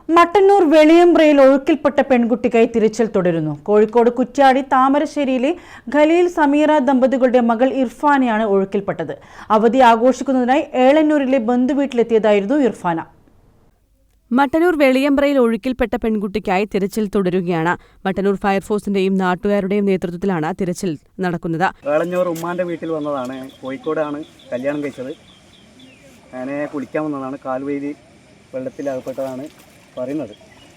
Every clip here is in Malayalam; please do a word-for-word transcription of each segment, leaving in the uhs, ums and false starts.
മട്ടന്നൂർ വെളിയമ്പ്രയിൽ ഒഴുക്കിൽപ്പെട്ട പെൺകുട്ടിക്കായി തിരച്ചിൽ തുടരുന്നു. കോഴിക്കോട് കുറ്റ്യാടി താമരശ്ശേരിയിലെ ഖലീൽ സമീറ ദമ്പതികളുടെ മകൾ ഇർഫാനയാണ് ഒഴുക്കിൽപ്പെട്ടത്. അവധി ആഘോഷിക്കുന്നതിനായി ഏളന്നൂരിലെ ബന്ധുവീട്ടിലെത്തിയതായിരുന്നു ഇർഫാന. മട്ടന്നൂർ വെളിയമ്പ്രയിൽ ഒഴുക്കിൽപ്പെട്ട പെൺകുട്ടിക്കായി തിരച്ചിൽ തുടരുകയാണ്. മട്ടന്നൂർ ഫയർഫോഴ്സിന്റെയും നാട്ടുകാരുടെയും നേതൃത്വത്തിലാണ് തിരച്ചിൽ നടക്കുന്നത്. ഏളന്നൂർ ഉമ്മാന്റെ വീട്ടിൽ വന്നതാണ്. കോഴിക്കോടാണ് കല്യാണം കഴിച്ചത്. അങ്ങനെ കുളിക്കാൻ വന്നതാണ്. കാൽവൈതി വെള്ളത്തിൽ അകപ്പെട്ടതാണ് പറയുന്നത്.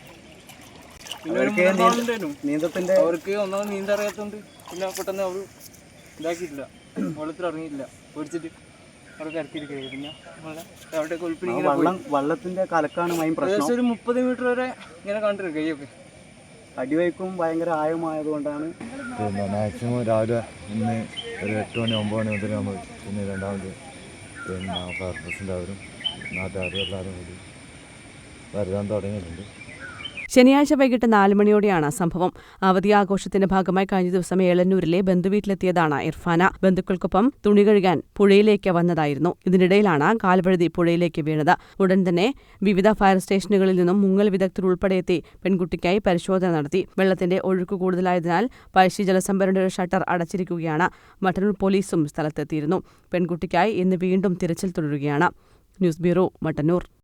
നീന്തത്തിന്റെ അവർക്ക് ഒന്നാമത് നീന്താൻ അറിയാത്തതുകൊണ്ട് പിന്നെ പെട്ടെന്ന് അവർ ഇതാക്കിയിട്ടില്ല, വെള്ളത്തിൽ ഇറങ്ങിയിട്ടില്ല, പേടിച്ചിട്ട് അവർക്ക് ഇറക്കിയിരിക്കുക. പിന്നെ അവിടെ വെള്ളം വെള്ളത്തിന്റെ കലക്കാണ് മെയിൻ പ്രശ്നം. ഒരു മുപ്പത് മീറ്റർ വരെ ഇങ്ങനെ കണ്ടിരിക്കും കൈയൊക്കെ. അടിവയ്ക്കും ഭയങ്കര ആഴമായതുകൊണ്ടാണ്. പിന്നെ മാക്സിമം രാവിലെ ഇന്ന് ഒരു എട്ട് മണി ഒമ്പത് മണി മുതൽ നമ്മൾ പിന്നെ രണ്ടാമത് പിന്നെ ഫയർഫോഴ്സിൻ്റെ അവരും നാട്ടുകാരും എല്ലാവരും കൂടി വരുവാൻ തുടങ്ങിയിട്ടുണ്ട്. ശനിയാഴ്ച വൈകിട്ട് നാല് മണിയോടെയാണ് സംഭവം. അവധി ആഘോഷത്തിന്റെ ഭാഗമായി കഴിഞ്ഞ ദിവസം ഏളന്നൂരിലെ ബന്ധുവീട്ടിലെത്തിയതാണ് ഇർഫാന. ബന്ധുക്കൾക്കൊപ്പം തുണി കഴുകാൻ പുഴയിലേക്ക് വന്നതായിരുന്നു. ഇതിനിടയിലാണ് കാൽവഴുതി പുഴയിലേക്ക് വീണത്. ഉടൻ തന്നെ വിവിധ ഫയർ സ്റ്റേഷനുകളിൽ നിന്നും മുങ്ങൽ വിദഗ്ധർ ഉൾപ്പെടെ എത്തി പെൺകുട്ടിക്കായി പരിശോധന നടത്തി. വെള്ളത്തിന്റെ ഒഴുക്ക് കൂടുതലായതിനാൽ പഴശ്ശി ജലസംഭരണിയുടെ ഷട്ടർ അടച്ചിരിക്കുകയാണ്. മട്ടന്നൂർ പോലീസും സ്ഥലത്തെത്തിയിരുന്നു. പെൺകുട്ടിക്കായി ഇന്ന് വീണ്ടും തിരച്ചിൽ തുടരുകയാണ്. News bureau, Mattannur.